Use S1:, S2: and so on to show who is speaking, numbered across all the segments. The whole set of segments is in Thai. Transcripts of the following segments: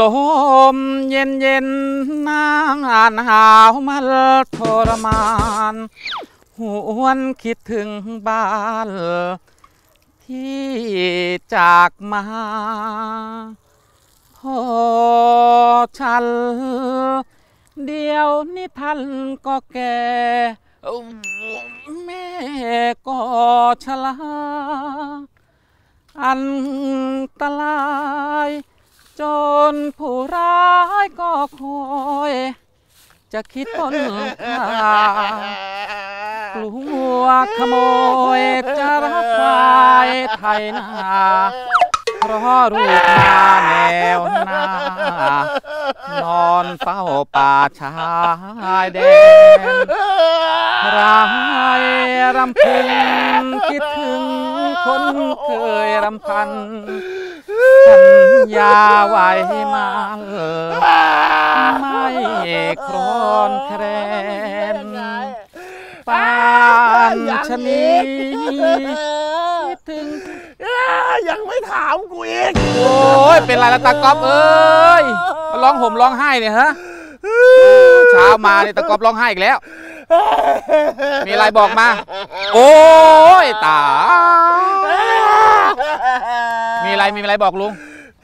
S1: ลมเย็นเย็นนางหนาวมันทรมานหวนคิดถึงบ้านที่จากมาพ่อฉันเดียวนี้ท่านก็แก่แม่ก็ชราอันตรายจนผู้ร้ายก็คอยจะคิดต้นทางกลัวขโมยจะรับควายไทยนาเพราะรูปนาแนวหน้านอนเฝ้าป่าชายแดนร้ายรำพึงคิดถึงคนเคยรำพันสัญญาไว้มาไม่ครอนแคลนปานชะนีคิดถึง
S2: ยังไม่ถามกูอีก
S1: โอ้ยเป็นไรละตากอบเอ้ยร้องห่มร้องไห้เนี่ยฮะเช้ามาเนี่ยตากอบร้องไห้อีกแล้วมีอะไรบอกมาโอ้ยตามีอะไรบอกลุง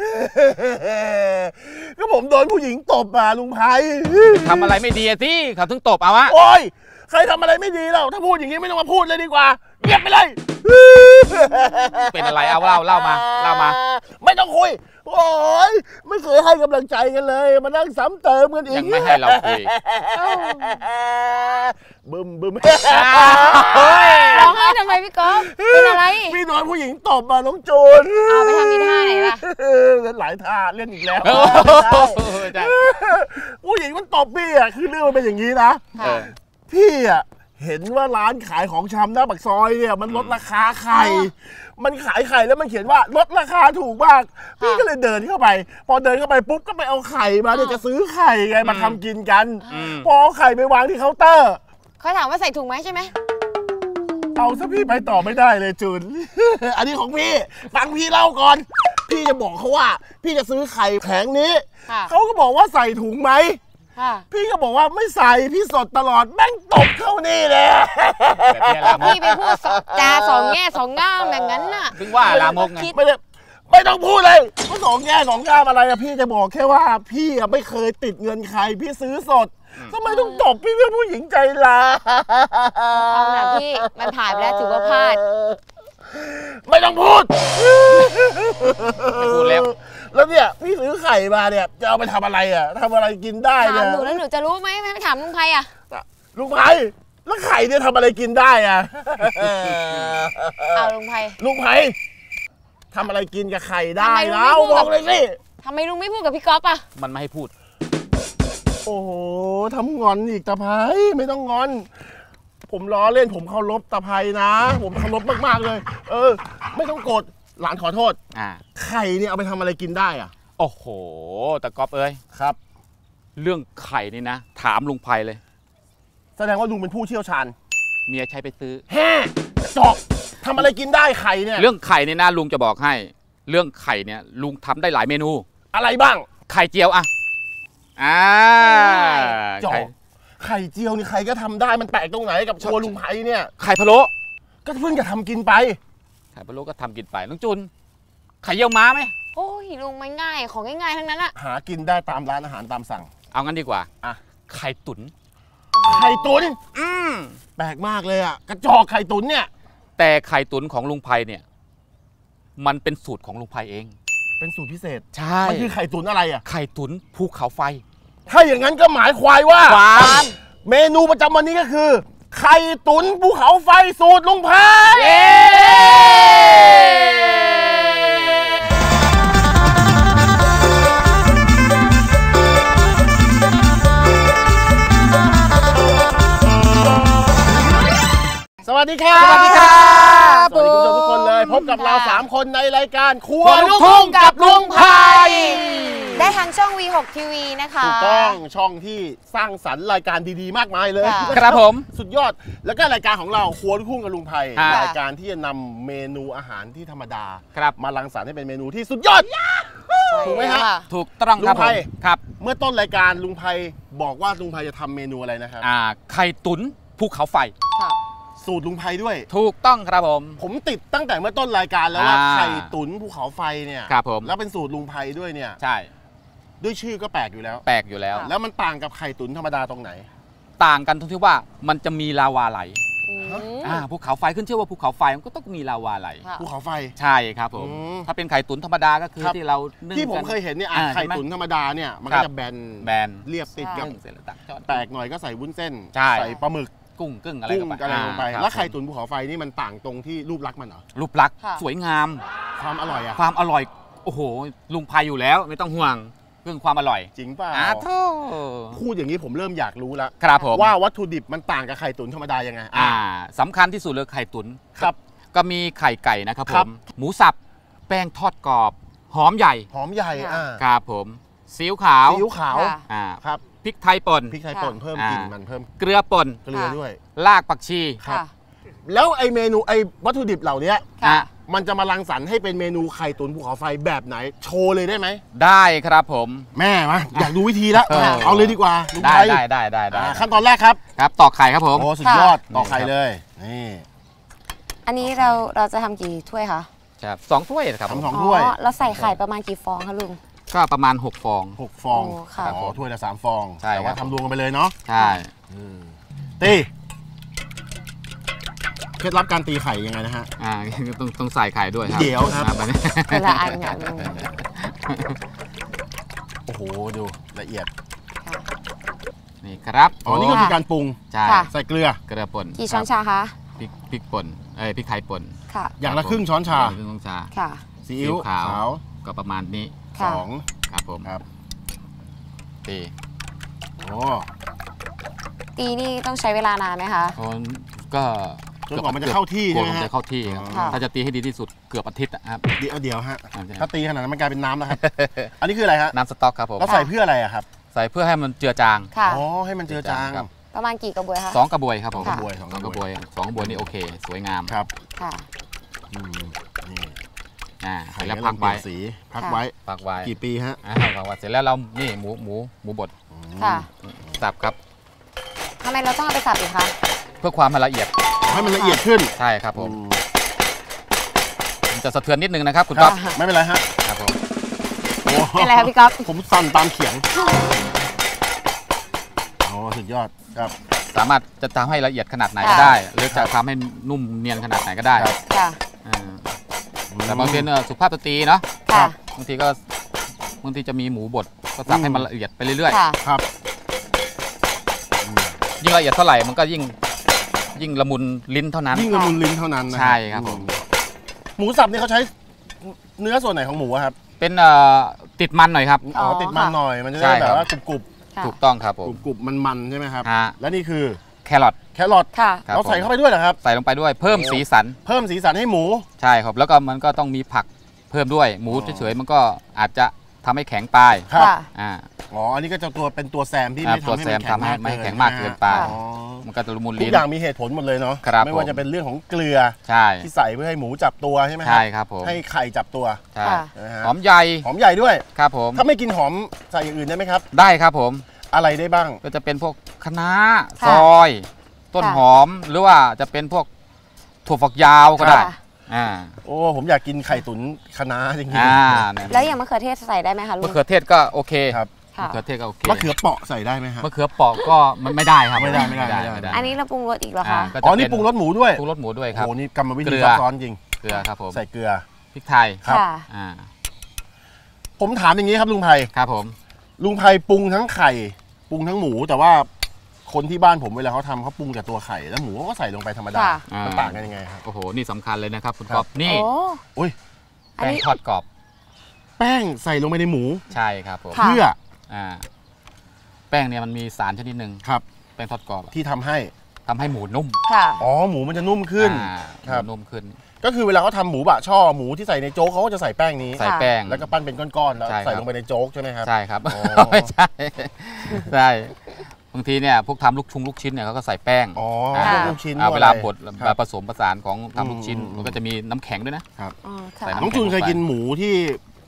S2: ก็ผมโดนผู้หญิงตบมาลุงไพ
S1: ทำอะไรไม่ดีที่เขาถึงตบเอาวะ
S2: โอ้ยใครทำอะไรไม่ดีแล้วถ้าพูดอย่างนี้ไม่ต้องมาพูดเลยดีกว่าเงียบไปเลย
S1: เป็นอะไรเอาเล่ามา
S2: ไม่ต้องคุยโอ้ยไม่เคยให้กำลังใจกันเลยมานั่งซ้ำเติมกันอีก
S1: ยังไม่ให้เราคุย
S2: บึม
S3: ร้องไห้ทำไมพี่ก๊อฟเป็นอะไร
S2: พี่โดนผู้หญิงตบมาน้องจูน
S3: เอาไปทำมีท่าไหนล่ะ
S2: เล่นหลายท่าเล่นอีกแล้วผู้หญิงมันตบพี่อ่ะคือเรื่องมันเป็นอย่างนี้นะพี่อ่ะเห็นว่าร้านขายของชำหน้าปากซอยเนี่ยมันลดราคาไข่มันขายไข่แล้วมันเขียนว่าลดราคาถูกมากพี่ก็เลยเดินเข้าไปพอเดินเข้าไปปุ๊บก็ไปเอาไข่มาเดี๋ยวจะซื้อไข่ไงมาทำกินกันพอเอาไข่ไปวางที่เคาน์เตอร์
S3: เขาถามว่าใส่ถุงไหมใช่ไหม
S2: เอาซะพี่ไปต่อไม่ได้เลยจูนอันนี้ของพี่ฟังพี่เล่าก่อนพี่จะบอกเขาว่าพี่จะซื้อไข่แผงนี้เขาก็บอกว่าใส่ถุงไหมพี่ก็บอกว่าไม่ใส่พี่สดตลอดแม่งตบเข้านี่เลย
S3: พี่ไปพูดจาสองแง่สองง่ามแบบนั้นน่ะ
S1: ถึงว่าลามกไง
S2: ไม่ต้องพูดเลยว่าสองแง่สองง่ามอะไรอะพี่จะบอกแค่ว่าพี่ไม่เคยติดเงินใครพี่ซื้อสดทำไมต้องตบพี่เป็นผู้หญิงใจร้าย
S3: เอาหน่ะพี่มันผ่านไปแล้วถือว่าพลาด
S2: ไม่ต้องพูด
S1: แล้ว
S2: เนี่ยพี่ซื้อไข่มาเนี่ยจะเอาไปทำอะไรอ่ะทำอะไรกินได้เนี่ย
S3: ถามหนูแล้วหนูจะรู้ไหมไม่ถามลุงไพอ่ะ
S2: ลุงไพแล้วไข่เนี่ยทำอะไรกินได้อ่ะ
S3: เอาลุงไพ
S2: ทำอะไรกินกับไข่ได้แล้วบอกเลยสิ
S3: ทำไมลุงไม่พูดกับพี่ก๊อฟอ่ะ
S1: มันไม่ให้พูด
S2: โอ้โหทำงอนอีกตาไพไม่ต้องงอนผมล้อเล่นผมเคารพตาไพนะผมเคารพมากๆเลยไม่ต้องโกรธหลานขอโทษไข่เนี่ยเอาไปทำอะไรกินได้อ่ะ
S1: โอ้โหตะก๊อบเอ้ย
S2: ครับ
S1: เรื่องไข่นี่นะถามลุงไพเลย
S2: แสดงว่าลุงเป็นผู้เชี่ยวชาญ
S1: เมียใช้ไปซื้อ
S2: แฮ่จอกทำอะไรกินได้ไข่เนี่ย
S1: เรื่องไข่เนี่ยนะลุงจะบอกให้เรื่องไข่เนี่ยลุงทำได้หลายเมนู
S2: อะไรบ้าง
S1: ไข่เจียวอะ
S2: จอกไข่เจียวนี่ใครก็ทำได้มันแปลกตรงไหนกับชัวลุงไพเนี่ย
S1: ไข่พะโล้
S2: ก็เพิ่งจะทำกินไป
S1: ไข่พะโล้ก็ทำกินไปน้องจุนไข่เยี่ยวม้าไหม
S3: โอ้ยลุงไม่ง่ายของง่ายๆทั้งนั้นอะ
S2: หากินได้ตามร้านอาหารตามสั่ง
S1: เอางั้นดีกว่าไข่ตุ๋น
S2: แปลกมากเลยอะกระจอกไข่ตุ๋นเนี่ย
S1: แต่ไข่ตุ๋นของลุงไพเนี่ยมันเป็นสูตรของลุงไพเอง
S2: เป็นสูตรพิเศษ
S1: ใช่
S2: มันคือไข่ตุ๋นอะไรอะ
S1: ไข่ตุ๋นภูเขาไฟ
S2: ถ้าอย่างนั้นก็หมายความว่าเมนูประจำวันนี้ก็คือไข่ตุ๋นภูเขาไฟสูตรลุงไพสวัสดีครับ
S1: สวัสดีครับ
S2: สวัสดีคุณผู้ชมทุกคนเลยพบกับเรา3คนในรายการครัวลูกทุ่งกับลุงไพ
S3: ได้ทางช่อง V6 ทีวีนะคะ
S2: ถูกต้องช่องที่สร้างสรรค์รายการดีๆมากมายเลย
S1: ครับผม
S2: สุดยอดแล้วก็รายการของเราครัวลูกทุ่งกับลุงไพรายการที่จะนำเมนูอาหารที่ธรรมดามารังสรรค์ให้เป็นเมนูที่สุดยอดถูกไหมฮะ
S1: ถูกต้องครับ
S2: ลุงไพ
S1: ครับ
S2: เมื่อต้นรายการลุงไพบอกว่าลุงไพจะทำเมนูอะไรนะครับ
S1: ไข่ตุ๋นภูเขาไฟ
S3: ค่ะ
S2: สูตรลุงไพด้วย
S1: ถูกต้องครับผม
S2: ผมติดตั้งแต่เมื่อต้นรายการแล้วว่า
S1: อ่า
S2: ไข่ตุ๋นภูเขาไฟเนี่ย
S1: ครับผม
S2: แล้วเป็นสูตรลุงไพด้วยเนี่ย
S1: ใช่
S2: ด้วยชื่อก็แปลกอยู่แล้ว
S1: แปลกอยู่แล้ว
S2: แล้วมันต่างกับไข่ตุ๋นธรรมดาตรงไหน
S1: ต่างกันตรงที่ว่ามันจะมีลาวาไหล
S3: อืม
S1: ภูเขาไฟขึ้นชื่อว่าภูเขาไฟมันก็ต้องมีลาวาไหล
S3: ค่ะ
S2: ภูเขาไฟ
S1: ใช่ครับผม
S2: อืม
S1: ถ้าเป็นไข่ตุ๋นธรรมดาก็คือ
S2: ครับ
S1: ที่เรานึ่ง
S2: ที่ผม
S1: กัน
S2: เคยเห็นเนี่ย
S1: อ่า
S2: ไข่
S1: ใช่ไหม
S2: ตุ๋นธรรมดาเนี่ยมัน
S1: ครั
S2: ก็
S1: บ
S2: จะแบน
S1: แบน
S2: เรียบติดกับ
S1: นึ่งเสร็จแล้วตักช้อน
S2: แปลกหน่อยก็ใส่วุ้นเส้น
S1: ใช่
S2: ใส่ปลาหมึก
S1: กุ้งกึ่งอะไร
S2: กุ้งอะไรลงไป
S1: ครับ
S2: แล้วไข่ตุ๋นภูเขาไฟนี่มันต่างตรงที่รูปลักษณ์มันเหรอ
S1: รูปลักษณ์
S3: ค่ะ
S1: สวยงาม
S2: ความอร่อยอะ
S1: ความอร่อยโอ้โหลุงพายอยู่แล้วไม่ต้องห่วงเรื่องความอร่อย
S2: จริงเปล่า
S1: โธ่
S2: พูดอย่างนี้ผมเริ่มอยากรู้แล้ว
S1: ครับผม
S2: ว่าวัตถุดิบมันต่างกับไข่ตุ๋นธรรมดายังไง
S1: สำคัญที่สุดเลยไข่ตุ๋น
S2: ครับ
S1: ก็มีไข่ไก่นะครับ
S2: ค
S1: ผ
S2: รับ
S1: มหมูสับแป้งทอดกรอบหอมใหญ่
S2: หอมใหญ่
S3: ค่ะ
S1: ครับผมซีอิ๊วขาว
S2: ซีอิ๊วขาว
S3: ค่ะ
S1: อ่า
S2: ครับ
S1: พริกไทยป่น
S2: พริกไทยป่นเพิ่มกลิ่นมันเพิ่ม
S1: เกลือป่น
S2: เกลือด้วย
S1: รากผักชี
S2: ครับ
S3: ค่ะ
S2: แล้วไอเมนูไอวัตถุดิบเหล่านี้
S3: ค่ะ
S1: อ่ะ
S2: มันจะมารังสรรค์ให้เป็นเมนูไข่ตุ๋นภูเขาไฟแบบไหน โชว์เลยได้ไหม
S1: ได้ครับผม
S2: แม่มาอยากดูวิธีแล้ว
S1: ค่ะ
S2: เอาเลยดีกว่าลุง
S1: ได้
S2: ไทย
S1: ได้
S2: ขั้นตอนแรกครับ
S1: ครับตอกไข่ครับผม
S2: โอ้สุดยอด
S1: ค่ะ
S2: ต่อไข่เลยนี่
S3: อันนี้เราจะทำกี่ถ้วยคะ
S1: ครับ2 ถ้วยนะครับผม
S2: ทำ2 ถ้วย
S3: เราใส่ไข่ประมาณกี่ฟองคะลุง
S1: ก็ประมาณ6 ฟอง
S2: 6 ฟอง
S3: โอ้ค่ะ
S2: อ๋อถ้วยละ3 ฟอง
S1: ใช่
S2: แต่ว่า
S1: ครับ
S2: ทำรวมกันไปเลยเนาะ
S1: ใช่
S2: ตีเคล็ดลับการตีไข่ยังไงนะฮะ
S1: ต้องใส่ไข่ด้วยครับ
S2: เดี๋ยวครับ
S1: อันนี้
S3: คนละอันค่ะลุง
S2: โอ้โหดูละเอียด
S3: ค่ะ
S1: นี่ครับ
S2: อ๋อนี่ก็คือการปรุง
S1: ใช่
S3: ค่ะ
S2: ใส่เกลือ
S1: เกลือป่น
S3: กี่ช้อนชาคะ
S1: พริกป่นพริกไทยป่น
S3: ค่ะ
S2: อย่างละครึ่งช้อนชา
S1: ครึ่งช้อนชา
S3: ค่ะ
S2: ซีอิ๊วขาว
S1: ก็ประมาณนี้
S3: ค่ะ
S2: 2
S1: ครับผม
S2: ครับ
S1: ตี
S2: โอ้
S3: ตีนี่ต้องใช้เวลานานไหมคะ
S1: คนก็
S2: จนกว่ามันจะเข้าที่
S1: กลั
S2: ใช่
S1: ว
S2: ไหม
S1: มัน
S2: ฮะ
S1: จะเข้าที่ครับ
S3: ค่ะ
S1: ถ้าจะตีให้ดีที่สุดเกือบอาทิตย์นะครับ
S2: เดี๋ยวฮะ
S1: อ่าใช่
S2: ถ้าตีขนาดนั้นมันกลายเป็นน้ำแล้วครับ อันนี้คืออะไรฮะ
S1: น้ำสต๊อกครับผม
S2: เราใส่เพื่ออะไรอะครับ
S1: ใส่เพื่อให้มันเจือจาง
S3: ค่ะ
S2: อ๋อให้มันเจือจาง
S1: ครับ
S3: ประมาณกี่กระบวยคะ
S1: 2 กระบวยครับผม
S3: ค่ะ
S2: สอง
S1: สอง
S2: ก
S1: ก
S2: ระ
S1: ระ
S2: บบ ว
S1: วย ยสองกระบวยนี่โอเค สวยงาม
S2: ครับ
S3: ค่ะ
S2: อืมนี่
S1: แล้วพักไว้
S2: สีพักไว้
S1: พักไว้
S2: กี่ปีฮะ
S1: พักไว้เสร็จแล้วเรานี่หมูบด
S3: ค่ะ
S1: สับครับ
S3: ทำไมเราต้องเอาไปสับอีกคะ
S1: เพื่อความละเอียด
S2: ให้มันละเอียดขึ้น
S1: ใช่ครับผม
S2: อืม
S1: มันจะสะเทือนนิดนึงนะครับคุณ
S2: ครั
S1: ก๊
S2: บ
S1: อฟ
S2: ไม่เป็นไรฮะ
S1: ครับผม
S2: โอ้
S3: เป็นไรครับพี่ก๊อฟ
S2: ผมสั่นตามเขียงโอ้สุดยอดครับ
S1: สามารถจะทำให้ละเอียดขนาดไหนก็
S3: ค่ะ
S1: ได้ หรือจะทำให้นุ่มเนียนขนาดไหนก็ได้
S2: ครับ
S3: ค่ะ
S1: อ่าแต่บางทีสุภาพสตรีเนาะ
S3: ค่ะ
S1: บางทีจะมีหมูบดก็สับให้มันละเอียดไปเรื่อย
S3: ค่ะ
S2: ครับ
S1: ๆยิ่งละเอียดเท่าไหร่มันก็ยิ่งละมุนลิ้นเท่านั้น
S2: ยิ่งละมุนลิ้นเท่านั้นนะ
S1: ใช่ครับผม
S2: หมูสับนี่เขาใช้เนื้อส่วนไหนของหมูอะครับ
S1: เป็นติดมันหน่อยครับ
S2: อ๋อ
S3: อ๋อ
S2: ติดมัน
S3: ค่ะ
S2: หน่อยมันจะ
S1: ใช่
S2: ได้
S1: ค
S2: แบ
S1: รับ
S2: บว่ากรุบ
S3: ค่ะ
S1: ถูกต้องครับผม
S2: ๆกรุบๆมันๆใช่ไหมครับ
S1: ฮะ
S2: และนี่คือ
S1: แครอท
S2: แครอท
S3: ค่ะ
S1: ครับ
S2: เราใส่
S1: ผม
S2: เข้าไปด้วยเหรอครับ
S1: ใส่ลงไปด้วยเพิ่มสีสัน
S2: เพิ่มสีสันให้หมู
S1: ใช่ครับ แล้วก็มันก็ต้องมีผักเพิ่มด้วยหมู
S2: อ๋อ
S1: เฉยๆมันก็อาจจะทำให้แข็งไป
S2: ครับ
S3: ค่ะ
S1: อ่า
S2: อ๋ออันนี้ก็จะเป็นตัวแซมที่
S1: อ่า
S2: ไม่
S1: ตัว
S2: ทำให้
S1: แซม
S2: มัน
S1: ทำให้ไม่แข็งมากเกินไป
S2: อ๋อ
S1: มันก็จะละมุน
S2: ทุก
S1: ลิ้น
S2: อย่างมีเหตุผลหมดเลยเนาะ
S1: ครับ
S2: ไม่ว่า
S1: ผม
S2: จะเป็นเรื่องของเกลือ
S1: ใช่
S2: ที่ใส่เพื่อให้หมูจับตัวใช่ไหม
S1: ใช่ครับผม
S2: ให้ไข่จับตัว
S1: ใช่
S3: ค่ะ
S2: นะฮะ
S1: หอมใหญ่
S2: หอมใหญ่ด้วย
S1: ครับผม
S2: ถ้าไม่กินหอมใส่อย่างอื่นได้ไหมครับ
S1: ได้ครับผม
S2: อะไรได้บ้าง
S1: ก็จะเป็นพวกคะน้า
S3: ค่ะ
S1: ซอย ต้นหอมหรือว่าจะเป็นพวกถั่วฝักยาวก็ได้
S3: ค่ะ
S1: อ่า
S2: โอ้ผมอยากกินไข่ตุ๋นคะน้าจริง
S1: เนี่ย
S3: แล้วอย่างมะเขือเทศใส่ได้ไหมคะลุ
S1: มะ
S3: ง
S1: เขือเทศก็โอเค
S2: ครับ
S3: ค่ะ
S1: มะเขือเทศก็โอเค
S2: มะเขือเปราะใส่ได้ไหมฮะ
S1: มะเขือเปอกก็มันไม่ได้ครับ
S2: ไม่ได้
S3: อันนี้เราปรุงรสอีกเหรอ
S1: อ่า
S3: คะ
S1: ก็จะ
S2: อ๋อนี่ปรุงรสหมูด้วย
S1: ปรุงรสหมูด้วยครับ
S2: โอ้นี่กรรมวิ
S1: เก
S2: ธี
S1: ลือ
S2: ซับซ้อนจริง
S1: เกลือครับผม
S2: ใส่เกลือ
S1: พริกไทย
S2: ครับ
S3: ค่ะ
S1: อ่า
S2: ผมถามอย่างนี้ครับลุงไพ
S1: ครับผม
S2: ลุงไพปรุงทั้งไข่ปรุงทั้งหมู แต่ว่าคนที่บ้านผมเวลาเขาทำเขาปรุงแต่ตัวไข่แล้วหมูเขาก็ใส่ลงไปธรรมดา
S3: ค่ะ
S2: มันต่างกันยังไงครับ
S1: โอ้โหนี่สำคัญเลยนะครับคุณ
S2: ครับ
S1: ก๊อฟนี่
S3: โอ้
S2: อุ้ย
S3: อัน
S1: แป้ง
S3: นี้
S1: ทอดกรอบ
S2: แป้งใส่ลงไปในหมู
S1: ใช่ครับผม
S3: ค่ะ
S2: เพื่อ
S1: อ่าแป้งเนี่ยมันมีสารชนิดหนึ่ง
S2: ครับ
S1: แป้งทอดกรอบอะ
S2: ที่ทำให้
S1: ทำให้หมูนุ่ม
S3: ค่ะ
S2: อ๋อหมูมันจะนุ่มขึ้น
S1: อ่า
S2: ครับ
S1: หมูนุ่มขึ้น
S2: ก็คือเวลาเขาทำหมูบะช่อหมูที่ใส่ในโจ๊กเขาก็จะใส่แป้งนี้
S1: ใส่แป้ง
S2: แล้วก็ปั้นเป็นก้อนๆแล้ว
S1: ใช่ครับ
S2: ใส่ลงไปในโจ๊กใช่ไหมครับ
S1: ใช่ครับ
S2: อ๋อ
S1: ไม่ใช่ใช่บางทีเนี่ยพวกทำลูกชิ้นเนี่ยเขาก็ใส่แป้ง
S2: อ๋อ
S1: อ่า
S2: พวกลูกชิ้น
S1: อ่า
S2: พก
S1: เว
S2: อะไร
S1: ลาบด
S2: ครับ
S1: ผสมผสานของทำลูกชิ้น
S2: อืม
S1: มันก็จะมีน้ำแข็งด้วยนะ
S3: อ๋อค่ะ
S1: ใส่
S2: น้องจูนเคยกินหมูที่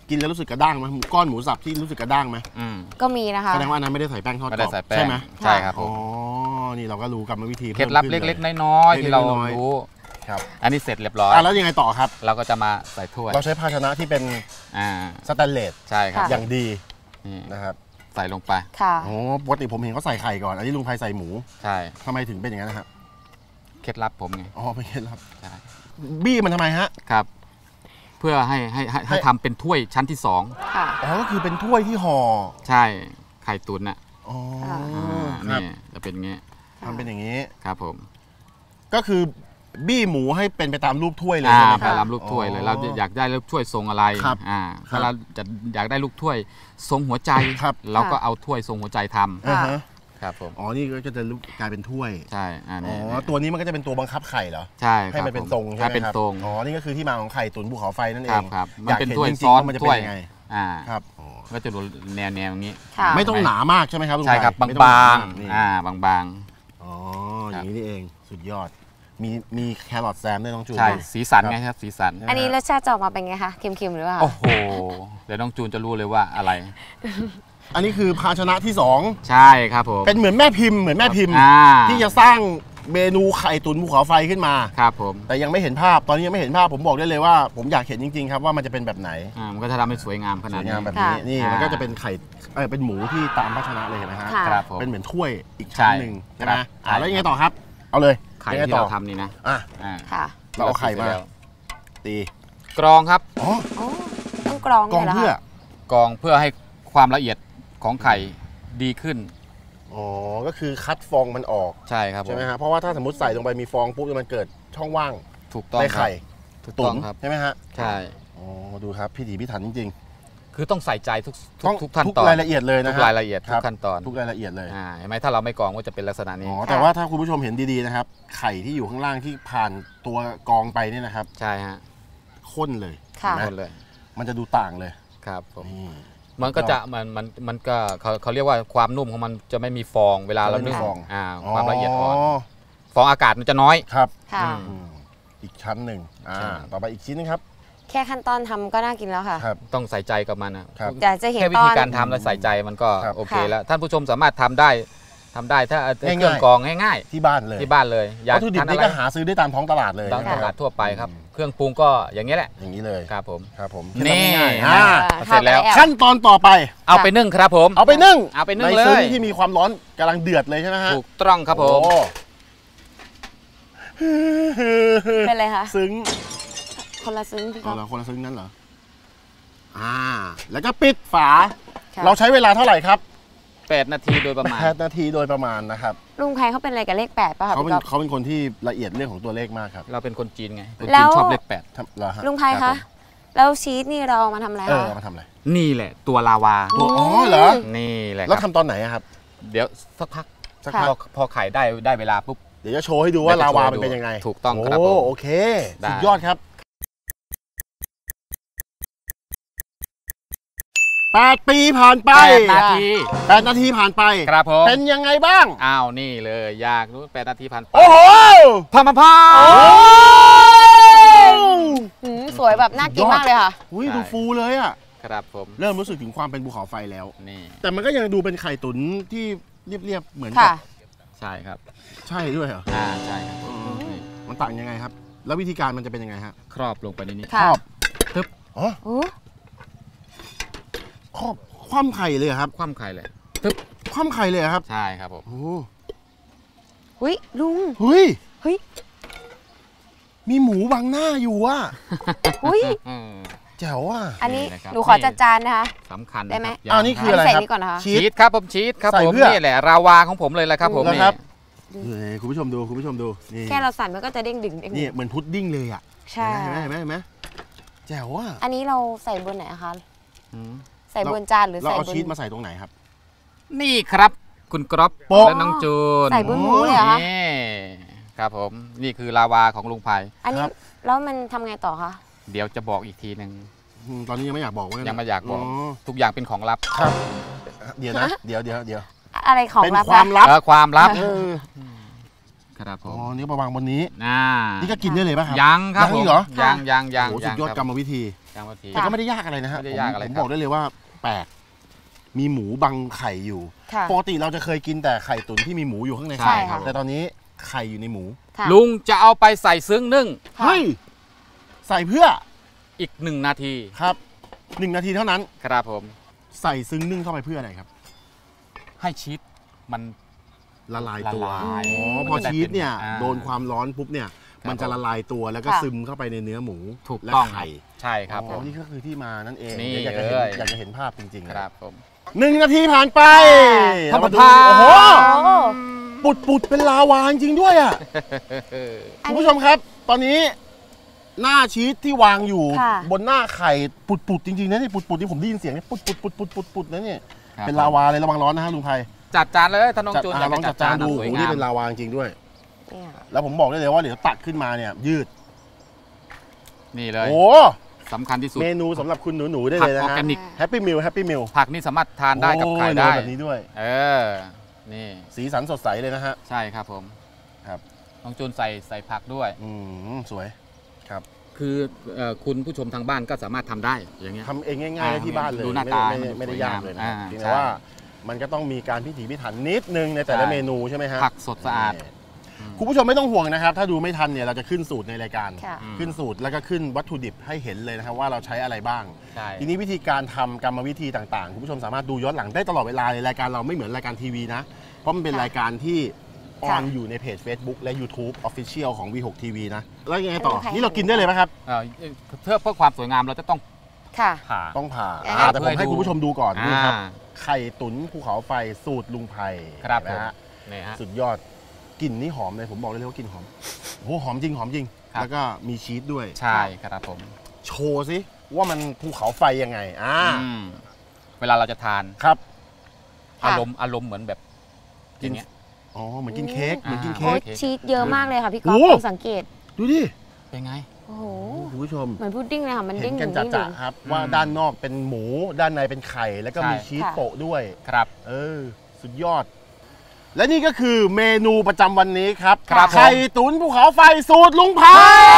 S2: กินแล้วรู้สึกกระด้างไหมก้อนหมูสับที่รู้สึกกระด้างไหม
S3: ก็มีนะคะ
S2: แสดงว่าอันนั้นไม่ได้ใส่แป้งทอดกร
S1: ไม่ได้
S2: อบ
S1: ใส่แป้ง
S2: ใช่ไหม
S1: ใช่ครับผ
S2: อ๋อ
S1: ม
S2: นี่เราก็รู้กรรมวิธี
S1: เคล็ดลับเล็กๆน้อยๆที่เรารู้
S2: ครับ
S1: อันนี้เสร็จเรียบร้อย
S2: แล้วยังไงต่อครับ
S1: เราก็จะมาใส่ถ้วย
S2: เราใช้ภาชนะที่เป็น
S1: อ่า
S2: สแตนเลส
S1: ใช่ครับ
S2: อย่างดี
S1: นี่
S2: นะครับ
S1: ใส่ลงไป
S3: ค่ะ
S2: โอ้ปกติผมเห็นเขาใส่ไข่ก่อนอันนี้ลุงไพใส่หมู
S1: ใช่
S2: ทำไมถึงเป็นอย่างนั้นนะครับ
S1: เคล็ดลับผมไง
S2: อ๋อไม่เคล็ดลับ
S1: ใช่
S2: บี้มันทำไมฮะ
S1: ครับ เพื่อให้ทำเป็นถ้วยชั้นที่
S3: ค่ะ
S2: อ๋อก็คือเป็นถ้วยที่ห่อ
S1: 2ใช่ไข่ตุ๋นน่ะ
S2: อ๋อ
S1: อ่า
S2: ครับ
S1: นี่จะเป็นอย่างงี้
S2: ทำเป็นอย่างนี้
S1: ครับผม
S2: ก็คือบี้หมูให้เป็นไปตามรูปถ้วยเลย
S1: อ่า
S2: ใช่ไหม
S1: ไป
S2: ครับ
S1: รับลูกถ้วยเลย
S2: อ๋อ
S1: เราอยากได้ลูกถ้วยทรงอะไร
S2: ครับ
S1: ถ้าเราจะอยากได้ลูกถ้วยทรงหัวใจ
S2: ครับ
S1: เราก็เอาถ้วยทรงหัวใจทำ
S2: อ่าฮะ
S1: ครับผม
S2: อ๋อนี่ก็จะกลายเป็นถ้วย
S1: ใช่อัน
S2: อ๋
S1: นี้
S2: อตัวนี้มันก็จะเป็นตัวบังคับไข่เหรอ
S1: ใช่ค
S2: ให้
S1: รับ
S2: มันเป็น
S1: ผ
S2: ทรงใช่ไหม
S1: ให้เป็น
S2: ครับ
S1: ทรง
S2: อ๋อนี่ก็คือที่มาของไข่ตุ๋นภูเขาไฟนั่นเอ
S1: ครับ
S2: ง
S1: ครับ
S2: อ
S1: มัน
S2: ยาก
S1: เป็น
S2: เห็น
S1: ถ้วย
S2: จริงๆ
S1: ซ้อน
S2: ว่ามันจะเป็น
S1: ถ้วย
S2: ยังไง
S1: อ่า
S2: ครับอ๋อ
S1: ก็จะดูแนวอย่างนี้
S3: ค่ะ
S2: ไม่ต้องหนามากใช่ไหมครับลุง
S1: ใช่ครับ
S2: ไผ่
S1: บาง
S2: ไม่ต้องหน
S1: บาง
S2: มกนี่
S1: บาง
S2: อ๋ออย่างนี้นี่เองสุดยอดมีแครอทแซมด้วยน้องจูน
S1: ๆใช่
S2: ด้วย
S1: สีสันไงครับสีสัน
S3: อันนี้รสชาติจะออกมาเป็นไงคะเค็มๆหรือเปล่า
S1: โอ้โหเดี๋ยวน้องจูนจะรู้เลยว่าอะไร
S2: อันนี้คือภาชนะที่
S1: ใช่ครับผม
S2: 2 เป็นเหมือนแม่พิมพ์
S1: อ่า
S2: ที่จะสร้างเมนูไข่ตุ๋นภูเขาไฟขึ้นมา
S1: ครับผม
S2: แต่ยังไม่เห็นภาพตอนนี้ยังไม่เห็นภาพผมบอกได้เลยว่า ผมอยากเห็นจริงๆครับว่ามันจะเป็นแบบไหน
S1: มันก็จะทำให้สวยงามข
S2: ส
S1: นาด
S2: วย
S1: นี้
S2: งามแบบนี้
S3: ค่ะ
S2: นี่
S1: อ่ามั
S2: มันก็จะเป็นไข่เป็นหมูที่ตามภาชนะเลยเห็นไหมฮะ
S3: ค่ะ
S1: ครับผม
S2: เป็นเหมือนถ้วยอีกชั้นหนึ่ง
S1: ใช่
S2: ใช่ไหม
S1: ครับ
S2: แล้วยังไงต่อครับ เอาเลย
S1: ไข่
S2: ยังไง
S1: ที่
S2: ต่อ
S1: เราทำนี่นะ
S2: อ่ะ
S1: อ่า
S3: ค่ะ
S2: เราเอาไข่มา ตี
S1: กรองครับ
S2: อ๋อ
S3: โอ้ต้องกรอง
S2: กรอง
S3: ด้วยหร
S2: เพื่อ
S3: คะ
S1: กรองเพื่อให้ความละเอียดของไข่ดีขึ้น
S2: อ๋อก็คือคัดฟองมันออก
S1: ใช่ครับผม
S2: ใช่ไหมฮะเพราะว่าถ้าสมมติใส่ลงไปมีฟองปุ๊บมันเกิดช่องว่าง
S1: ถูกต้อง
S2: ใน
S1: ครับ
S2: ไข่
S1: ถูก
S2: ตุ๋
S1: ต้อน งครับ
S2: ใช่ไหมฮะ
S1: ใช่
S2: อ๋อดูครับพิถีพิถันจริง
S1: คือต้องใส่ใจทุก
S2: ๆต้อง
S1: ทุกขั้น
S2: ทุก
S1: ตอน
S2: รายละเอียดเลย
S1: ทุ
S2: นะ
S1: ก
S2: ครับ
S1: รายละเอียด
S2: ค
S1: ทุ
S2: รับ
S1: กขั้นตอน
S2: ทุกรายละเอียดเลย
S1: เห็นไหมถ้าเราไม่กรองก็จะเป็นลักษณะนี้
S2: อ๋อแต่ว่าถ้าคุณผู้ชมเห็นดีๆนะครับ ไข่ที่อยู่ข้างล่างที่ผ่านตัวกรองไปเนี่ยนะครับ
S1: ใช่ฮะ
S2: ข้นเลย
S3: ค่ะ
S2: เห็น
S1: ห
S2: ไห
S1: มดเลย
S2: มันจะดูต่างเลย
S1: ครับผม
S2: นี่
S1: มันก็จะมันก็เขาเรียกว่าความนุ่มของมันจะไม่มีฟองเวลาเรานึ่ง
S2: จะไม่มีฟอง
S1: ความละเอียดอ่อนฟองอากาศมันจะน้อย
S2: ครับ
S3: ค่ะ
S2: อืมอีกชั้นหนึ่ง
S1: ใช่
S2: ต่อไปอีกชิ้นนึงครับ
S3: แค่ขั้นตอนทำก็น่ากินแล้วค่ะ
S2: ครับ
S1: ต้องใส่ใจกับมันนะครับ
S3: อยากจะเห็น
S1: แค่วิ
S3: ตอ
S1: ธี
S3: น
S1: การทำและใส่ใจมันก็
S2: ครับ
S1: โอเค
S3: ค่ะ
S1: แล้วท่านผู้ชมสามารถทำได้ถ้าเค
S2: ง่ายๆ
S1: รื่องกรองง่าย
S2: ที่บ้านเลย
S1: ๆที่บ้านเลยอยาก
S2: วัตถุดิบ
S1: ทาน
S2: นี่
S1: อะไร
S2: ก็หาซื้อได้ตามท้องตลาดเลย
S1: ตาม
S2: นะ
S1: ต
S2: ค
S1: ลา
S2: รั
S1: ด
S2: บ
S1: ทั่วไปครับ เครื่องปรุงก็อย่างนี้แหละ
S2: อย่างนี้เลย
S1: ครับผม
S2: ครับผม
S1: นี่
S2: ง่ายๆ
S1: อ่า
S3: อ่า
S1: เสร็จแล้ว
S3: ทำอะไร
S2: ขั้นตอนต่อไป
S1: เอาไปนึ่งครับผม
S2: เอาไปนึ่ง
S1: เอาไปนึ่ง
S2: ใน
S1: เลย
S2: ซึ้งที่มีความร้อนกำลังเดือดเลยใช่ไหมฮะ
S1: ถูกต้องครับผม
S2: โอ้
S3: เป็นไรคะ
S2: ซึ้ง
S3: คนละซึ้งพี่ก๊
S2: เอา
S3: อฟ
S2: เหรอคนละซึ้งนั้นเหรอแล้วก็ปิดฝา
S3: ค่ะ
S2: เราใช้เวลาเท่าไหร่ครับ
S1: 8 นาทีโดยประมาณ
S2: 8 นาทีโดยประมาณนะครับ
S3: ลุงไพเขาเป็นอะไรกับเลข8ป่ะคะ
S2: เขาเป็
S3: พี่
S2: น
S3: ก๊อฟ
S2: เขาเป็นคนที่ละเอียดเรื่องของตัวเลขมากครับ
S1: เราเป็นคนจีนไงคน
S3: แล้
S1: จีน
S3: ว
S1: ชอบเลข
S2: เหรอฮะ
S3: ลุงไพ
S1: ครั
S3: คะ
S1: บผม
S3: แล้วชีสนี่เราเอามาทำอะไร
S2: เอ
S3: คะ
S2: อมาทำอะไร
S1: 8นี่แหละตัวลาวา
S2: ตัวอ๋อเหรอ
S1: นี่แหละค
S2: แล้ว
S1: รับ
S2: ทำตอนไหนอะครับ
S1: เดี๋ยวสักพัก
S2: สัก
S3: ค่ะ
S2: พัก
S1: พอไข่ได้เวลาปุ๊บ
S2: เดี๋ยวจะโชว์ให้ดูว่า
S1: เดี๋ยวจะ
S2: ลาวา
S1: โชว์
S2: มันเป็นยังไง
S1: ถูกต้องครับผม
S2: โอเค
S1: ได้
S2: สุดยอดครับ 8 ปีผ่านไป
S1: 8 นาที
S2: 8 นาทีผ่านไป
S1: ครับผม
S2: เป็นยังไงบ้าง
S1: อ้าวนี่เลยอยากรู้8 นาทีผ่านไป
S2: โอ้โห
S1: พามาพา
S3: สวยแบบน่ากินมากเลยค่ะ
S2: อุ้ยดูฟูเลยอ่ะ
S1: ครับผม
S2: เริ่มรู้สึกถึงความเป็นภูเขาไฟแล้ว
S1: นี่
S2: แต่มันก็ยังดูเป็นไข่ตุ๋นที่เรียบๆเหมือนกั
S3: ค่ะ
S2: บ
S1: ใช่ครับ
S2: ใช่ด้วยเหรอ
S1: ใช่ครับนี่
S2: มันต่างยังไงครับ แล้ววิธีการมันจะเป็นยังไงฮะ
S1: ครอบลงไปในนี้
S3: ค่ะ
S1: ปึ๊บ
S2: อ๋อ
S3: โอ้
S2: ครอบคว่ำไข่เลยเหรอครับ
S1: คว่ำไข่เลย
S2: คว่ำไข่เลยเหรอครับ
S1: ใช่ครับผม
S2: โอ้
S3: อุ๊ยลุง
S2: เฮ้ย
S3: เฮ้ย
S2: มีหมูบังหน้าอยู่อ่ะ
S3: อุ๊ย
S1: อืม
S2: แจ๋วอ่ะ
S3: อันนี้
S1: นี่นะครับ
S3: หนูขอจัดจานนะคะ
S1: สำคัญ
S3: ได้ไหม
S1: ะ
S2: อ้าวนี่คืออะไร
S3: ใส่
S2: ครับ
S3: นี่ก่อนนะคะ
S2: ชี
S1: ชี
S2: ส
S1: สครับผมชีสครับ
S2: ใส่
S1: ผม
S2: เพื่อ
S1: นี่แหละราวาของผมเลยแหละครับผม
S2: นะครับ
S1: นี่
S2: เฮ้ยคุณผู้ชมดูคุณผู้ชมดูนี่
S3: แค่เราสั่นมันก็จะเด้งดึงเด้งดึ
S2: นี่
S3: ง
S2: เหมือนพุดดิ้งเลยอ่ะ
S3: ใช่
S2: เห็นไหมเห็นไหมแจ๋วอ่ะ
S3: อันนี้เราใส่บนไหนอะคะ
S1: อืม
S3: ใส่บนจานหรือ
S2: เรา
S3: ใส่
S2: เอา
S3: บน
S2: ชีสมาใส่ตรงไหนครับ
S1: นี่ครับคุณกรอบ
S2: โป๊ะ
S1: และน้องจูน
S3: ใส่บนหมูเลยเหรอคะ
S1: นี่ครับผมนี่คือลาวาของลุงไผ่
S3: อันนี้
S2: ครับ
S3: แล้วมันทำไงต่อคะ
S1: เดี๋ยวจะบอกอีกทีหนึ่ง
S2: ตอนนี้ยังไม่อยากบอกว่า
S1: ยั
S2: ยัง
S1: ไม่อยากบอกทุกอย่างเป็นของลับ
S2: ครับ เดี๋ยวนะ เดี๋ยว
S3: อะไรของ
S2: เป็น
S3: ลับ
S2: ความ
S3: นะ
S2: ลับ
S1: ความลับ
S2: เออ
S1: ครับผ
S2: อ๋อ
S1: ม
S2: นี่มาวางบนนี้
S1: นี่
S2: ก็กินได้เลยป่ะครับ
S1: ยังครับ
S2: ยังอีกเหรอ
S1: ยัง
S2: โอ้สุดยอดกรรมวิธี
S1: ยังวิธี
S2: แต่ก็ไม่ได้ยากอะไรนะฮะ
S1: ไม่ได้ยากอะไร
S2: ผม
S1: ครับ
S2: บอกได้เลยว่าแปลกมีหมูบังไข่อยู่
S3: ค่ะ
S2: ปกติเราจะเคยกินแต่ไข่ตุ๋นที่มีหมูอยู่ข้างใน
S3: ใช่ค่ะ
S2: แต่ตอนนี้ไข่อยู่ในหมู
S3: ค่ะ
S1: ลุงจะเอาไปใส่ซึ้งนึ่ง
S3: ค่ะ
S2: เฮ้ยใส่เพื่อ
S1: อีก1 นาที
S2: ครับ1 นาทีเท่านั้น
S1: ครับผม
S2: ใส่ซึ้งนึ่งเข้าไปเพื่ออะไรครับ
S1: ให้ชีสมัน
S2: ละลายตัว
S1: ละลาย
S2: อ๋อพอชีสเนี่ย
S1: อ่า
S2: โดนความร้อนปุ๊บเนี่ย
S1: ครับ
S2: มันจะละลายตัวแล้วก็
S3: ค่ะ
S2: ซึมเข้าไปในเนื้อหมู
S1: ถูก
S2: และ
S1: ต้อง
S2: ไข่
S1: ใช่ครับผ
S2: อ๋อ
S1: ม
S2: นี่ก็คือที่มานั่นเอง
S1: นี่
S2: อยากจะเห็น
S1: เลย
S2: อยากจะเห็นภาพจริงๆ
S1: ครับผม
S2: 1 นาทีผ่านไป
S1: ธรรม
S2: เาาดู
S1: ดา
S2: โอ้โห
S3: โอ้
S2: ปุดเป็นลาวาจริงๆด้วยอ่ะ คุณผู้ชมครับ ตอนนี้หน้าชีสที่วางอยู่
S3: ค่ะ
S2: บนหน้าไข่ปุดจริงๆนะนี่ปุดที่ผมได้ยินเสียงนี่ปุดนะเนี่ย
S1: ครับ
S2: เป็นลาวาเลยระวังร้อนนะฮะลุงไพ
S1: จัดจานเลยท่านน้องจูน
S2: ลองจัดจานดู
S1: สวย
S2: โอ้โห
S1: งา
S2: นี่
S1: ม
S2: เป็นลาวาจริงๆด้วย
S3: เนี่ย
S2: แล้วผมบอกได้เลยว่าเดี๋ยวตักขึ้นมาเนี่ยยืด
S1: นี่เลย
S2: โอ้
S1: สำคัญที่สุด
S2: เมนูสำหรับคุณหนูๆได้
S1: ผั
S2: เลยนะ
S1: ออร์
S2: ฮะ
S1: แกนิก
S2: แฮปปี้มิล
S1: ผักนี่สามารถทานได้กับไข่ได้
S2: แบบนี้ด้วย
S1: เออ นี่
S2: สีสันสดใสเลยนะฮะ
S1: ใช่ครับผม
S2: ครับ
S1: น้องจูนใส่ผักด้วย
S2: สวยครับ
S1: คือคุณผู้ชมทางบ้านก็สามารถทำได้อย่างเงี้ย
S2: ทำเองง่ายๆได้ที่บ้านเลย
S1: ดูหน้าตา
S2: ไม่ได้ยากเลยนะ
S1: อ่า
S2: เพียง
S1: ใช่
S2: แต่ว่ามันก็ต้องมีการพิถีพิถันนิดนึงในแต่ละ
S1: ใช่
S2: เมนูใช่ไหมฮะ
S1: ผักสดสะอาด
S2: คุณผู้ชมไม่ต้องห่วงนะครับ ถ้าดูไม่ทันเนี่ยเราจะขึ้นสูตรในรายการ
S3: ค่ะ
S2: ขึ้นสูตรแล้วก็ขึ้นวัตถุดิบให้เห็นเลยนะครับว่าเราใช้อะไรบ้าง
S1: ใช่
S2: ทีนี้วิธีการทำกรรมวิธีต่างๆ คุณผู้ชมสามารถดูย้อนหลังได้ตลอดเวลาในรายการเราไม่เหมือนรายการทีวีนะ เพราะมันเป็น
S3: ค่ะ
S2: รายการที่อ
S3: ค่ะ
S2: อนอยู่ในเพจ Facebook และ YouTube Official ของ V6 TV นะ แล้วยังไงต่อ
S3: ใคร
S2: นี่เรากินได้เลยไหมครับ
S1: เพื่อความสวยงามเราจะต้อง
S3: ค่ะ
S1: ผ่า
S2: ต้องผ่า
S3: อ่า
S2: แต่ผมให้คุณผู้ชมดูก่อนนี่ครับ
S1: อ่า
S2: ไข่ตุ๋นภูเขาไฟสูตรลุงไพ
S1: ครับ
S2: นะฮะ
S1: นี่ฮะ
S2: สุดยอดกลิ่นนี่หอมเลยผมบอกเลยว่ากลิ่นหอมโอ้โหหอมจริง
S1: ครับ
S2: แล้วก็มีชีสด้วย
S1: ใช่ครับผม
S2: โชว์สิว่ามันภูเขาไฟยังไง
S1: อืมเวลาเราจะทาน
S2: ครับ
S3: ค่ะ
S1: อารมณ์เหมือนแบบอย่างเงี้ย
S2: อ๋อเหมือนกินเค้กเหมือนกิน
S3: โอ้
S2: เค้ก
S3: ยชีสเยอะมากเลยค่ะพี่ก๊อฟ
S2: โอ้
S3: ลองสังเกต
S2: ดูดิ
S1: เป็นไง
S3: โอ้โห
S2: คุณผู้ชม
S3: เหมือนพุดดิ้งเลยค่ะ มัน
S2: เห็
S3: เด้
S2: น
S3: ง
S2: กัน
S3: ดึง
S2: จ่าๆครับว่า
S1: อืม
S2: ด้านนอกเป็นหมูด้านในเป็นไข่แล้วก็
S1: ใช่
S2: มีชีส
S3: ค่ะ
S2: โปะด้วย
S1: ครับ
S2: สุดยอด และนี่ก็คือเมนูประจำวันนี้ครับ
S1: ครับผม
S2: ไข่ตุ๋นภูเขาไฟสูตรลุงไพ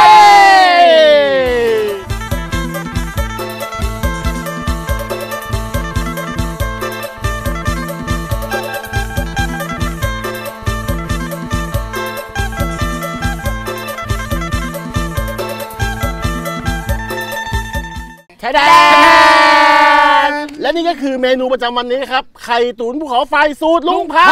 S2: แค่แดนและนี่ก็คือเมนูประจำวันนี้ครับ ไข่ตุ๋นภูเขาไฟสูตรลุงไพ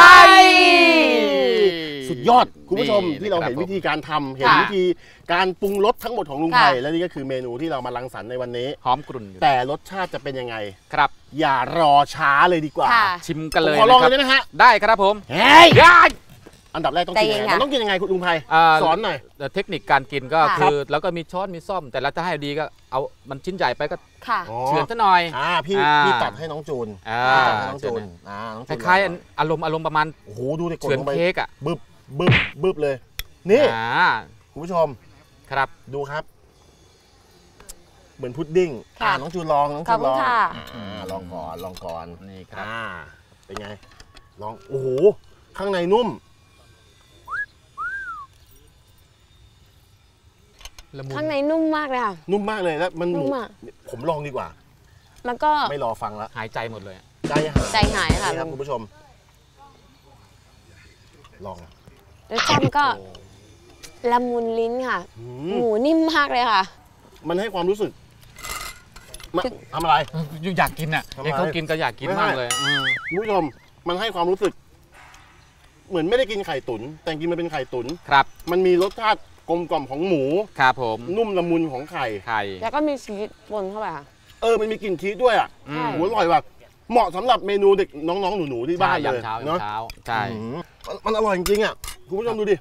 S2: สุดยอดคุณผู้ชม
S1: นี่
S2: ที่เราเห็น
S1: ครับ
S2: วิธีการทำเห็น
S3: ค่ะ
S2: วิธีการปรุงรสทั้งหมดของลุงไพ
S3: ค่ะ
S2: และนี่ก็คือเมนูที่เรามารังสรรค์ในวันนี้
S1: หอมกรุ่นอยู่
S2: แต่รสชาติจะเป็นยังไง
S1: ครับ
S2: อย่ารอช้าเลยดีกว่า
S3: ค่ะ
S1: ชิมกันเลย
S2: ผมขอลอง
S1: นะค
S2: เล
S1: รับ
S2: ยได้ไหมฮะ
S1: ได้ครับผม
S2: เฮ้ย
S1: ได้
S2: อันดับแรกต้องกินยังไง
S3: ใจเย็นค่ะ
S2: มันต้องกินยังไงคุณลุงไพ
S1: า
S2: สอนหน่อย
S1: เทคนิคการกินก็
S3: ค่ะ
S1: คือแล้วก็มีช้อนมีซ่อม แต่เราจะให้ดีก็เอามันชิ้นใหญ่ไปก็
S3: ค่ะ
S2: อ๋อ
S1: เฉือนซะหน่อย
S2: พี่
S1: อ่า
S2: พี่ตัดให้น้องจูน
S1: อ่า
S2: พี่ตัดให้น้องจูนน้อง
S1: ค
S2: จูน
S1: ล้ายๆอารมณ์ประมาณ
S2: โอ้โหดูดิกด
S1: เฉือน
S2: ลงไป
S1: เค้กอ่ะ
S2: บึบเลย นี่
S1: อ่า
S2: คุณผู้ชม
S1: ครับ
S2: ดูครับ เหมือนพุดดิ้ง
S3: ค่ะ
S2: น้องจูนลองน้อง
S3: ขอ
S2: จู
S3: บ
S2: น
S3: คุ
S2: ล
S3: ณ
S2: อง
S3: ค่ะ
S2: ลองก่อน
S1: นี่ครับ
S2: เป็นไง ลอง โอ้โห ข้างในนุ่ม
S1: ละมุน
S3: ข้างในนุ่มมากเลยค่ะ
S2: นุ่มมากเลยแล้วมันหมู
S3: นุ่มอะ
S2: ผมลองดีกว่า
S3: แล้วก็
S2: ไม่รอฟังแล้ว
S1: หายใจหมดเลยอะ
S2: ใจหาย
S3: ใจหายค่ะ
S2: นี่ครับคุณผู้ชม ลอง
S3: รสชาติมันก็ละมุนลิ้นค่ะ
S2: อื
S3: ห
S2: ม
S3: มูนิ่มมากเลยค่ะ
S2: มันให้ความรู้สึกมาทำอะไร
S1: อยากกินอ่ะ
S2: ทำไม
S1: เองเขากินก็อยากกิน
S2: ไม่
S1: มาก
S2: ให้
S1: เลยอืม
S2: คุณผู้ชม มันให้ความรู้สึก เหมือนไม่ได้กินไข่ตุ๋นแต่จริงๆมันเป็นไข่ตุ๋น
S1: ครับ
S2: มันมีรสชาติกลมกล่อมของหมู
S1: ครับผม
S2: นุ่มละมุนของไข่
S1: ไข่
S3: แล้วก็มีชีสปนเข้าไปค่ะ
S2: มันมีกลิ่นชีสด้วยอ่ะ
S1: อื
S3: ใช่
S1: ม
S2: โหอร่อยว่ะเหมาะสำหรับเมนูเด็กน้องๆหนูๆที่บ้านเลย
S1: ยามเช้า
S2: เนาะ
S1: ยามเช้าใช่
S2: อืมมันอร่อยจริงๆอ่ะคุณผู้ชมดูดิ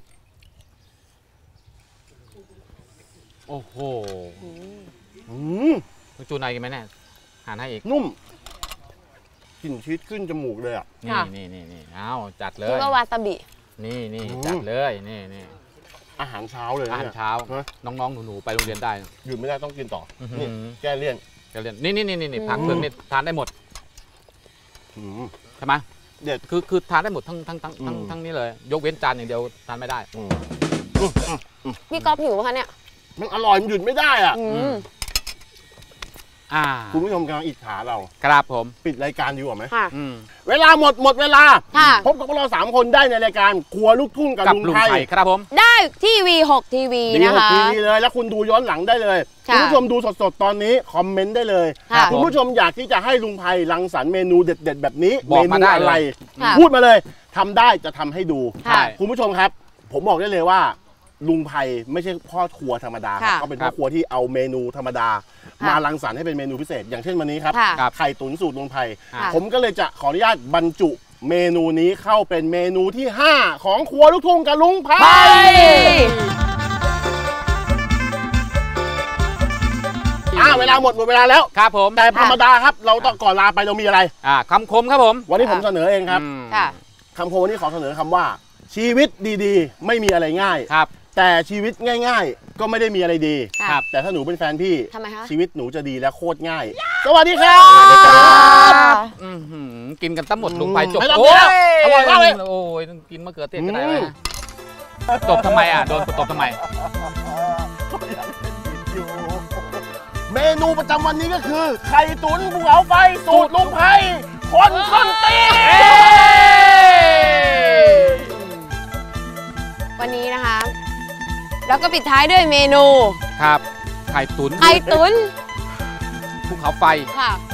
S1: โอ้โห
S2: อืม
S1: คุณจูนายกินไหมเนี่ยหานให้อีก
S2: นุ่มกลิ่นชีสขึ้นจมูกเลยอ่ะ
S1: นี่
S3: ค่ะ
S1: นี่เอาจัดเล
S3: แล้ว
S1: ย
S3: ก็วาซาบิ
S1: นี่
S2: อืม
S1: จัดเลยนี่
S2: อาหารเช้าเลย
S1: อาหาร
S2: เนี่ย
S1: เช้า
S2: ฮะ
S1: น้องๆหนูๆไปโรงเรียนได้
S2: หยุดไม่ได้ต้องกินต่ออ
S1: อหือ
S2: นี่แก้เลี่ยน
S1: ก็เรียนนี่ผักเผือกนี่ทานได้หมด
S2: อืม
S1: ใช่ไหม
S2: เด็ด
S1: คือทานได้หมดทั้งนี้เลย ยกเว้นจานอย่างเดียวทานไม่ได้
S3: พี่ก๊อฟหิวปะคะเนี่ย
S2: มันอร่อยมันหยุดไม่ได้อ่ะ คุณผู้ชมกำลังอิจฉาเรา
S1: ครับผม
S2: ปิดรายการดีกว่าไหม
S3: ค่ะ
S2: เวลาหมดเวลา
S3: ค่ะ
S2: พบกับพวกเรา3 คนได้ในรายการครัวลูกทุ่งกับลุงไทย
S1: ครับผม
S3: ได้ที่ V6 TV นะคะ
S2: ทีวีเลยแล้วคุณดูย้อนหลังได้เลย
S3: ค่ะ
S2: คุณผู้ชมดูสดๆตอนนี้คอมเมนต์ได้เลย
S3: ค่ะ
S2: คุณผู้ชมอยากที่จะให้ลุงไพรังสรรค์เมนูเด็ดๆแบบนี้
S1: บ
S2: เม
S1: อก
S2: นู
S1: มาได้
S2: อะไร
S3: ค่ะ
S2: พูดมาเลยทำได้จะทำให้ดู
S3: ค่ะ
S2: คุณผู้ชมครับ ผมบอกได้เลยว่า ลุงไพไม่ใช่พ่อครัวธรรมดาครับ
S3: ค่ะ
S2: เขาเป็นพ่อครัวที่เอาเมนูธรรมดา
S3: ค่ะ
S2: มารังสรรค์ให้เป็นเมนูพิเศษ อย่างเช่นวันนี้ครับ
S3: ค่ะ
S2: ไข่ตุ๋นสูตรลุงไพ
S3: ค่ะ
S2: ผมก็เลยจะขออนุญาตบรรจุเมนูนี้เข้าเป็นเมนูที่ 5 ของครัวลูกทุ่งกับลุงไพ เวลาหมดเวลาแล้ว
S1: ครับผม
S2: แต่ธรรมดาครับ เราต้องก่อนลาไปเรามีอะไร
S1: คำคมครับผม
S2: วันนี้ผมเสนอเองครับ
S3: ค่ะ
S2: คำคมวันนี้ขอเสนอคำว่า ชีวิตดีๆ ไม่มีอะไรง่าย
S1: ครับ
S2: แต่ชีวิตง่ายๆ ก็ไม่ได้มีอะไรดี
S3: ค่ะ
S1: ครับ
S2: แต่ถ้าหนูเป็นแฟนพี่
S3: ทำไมคะ
S2: ชีวิตหนูจะดีและโคตรง่าย สวัสดีครับ
S1: กินกันตั้งหมดลงไปจบ
S2: ไม่ต้อง
S1: โอ้ย
S2: อร่อยมากเลย
S1: โอ้ยต้องกินมะเขือเทศก็ได้เลยตบทำไมโดนตบทำไม
S2: เมนูประจำวันนี้ก็คือ ไข่ตุ๋นภูเขาไฟสูตรลุงไพคนส้นตีน
S3: วันนี้นะคะ แล้วก็ปิดท้ายด้วยเมนู
S1: ครับ ไข่ตุ๋น
S3: ไข่ตุ๋น
S1: ภูเขาไฟ
S3: ค่ะ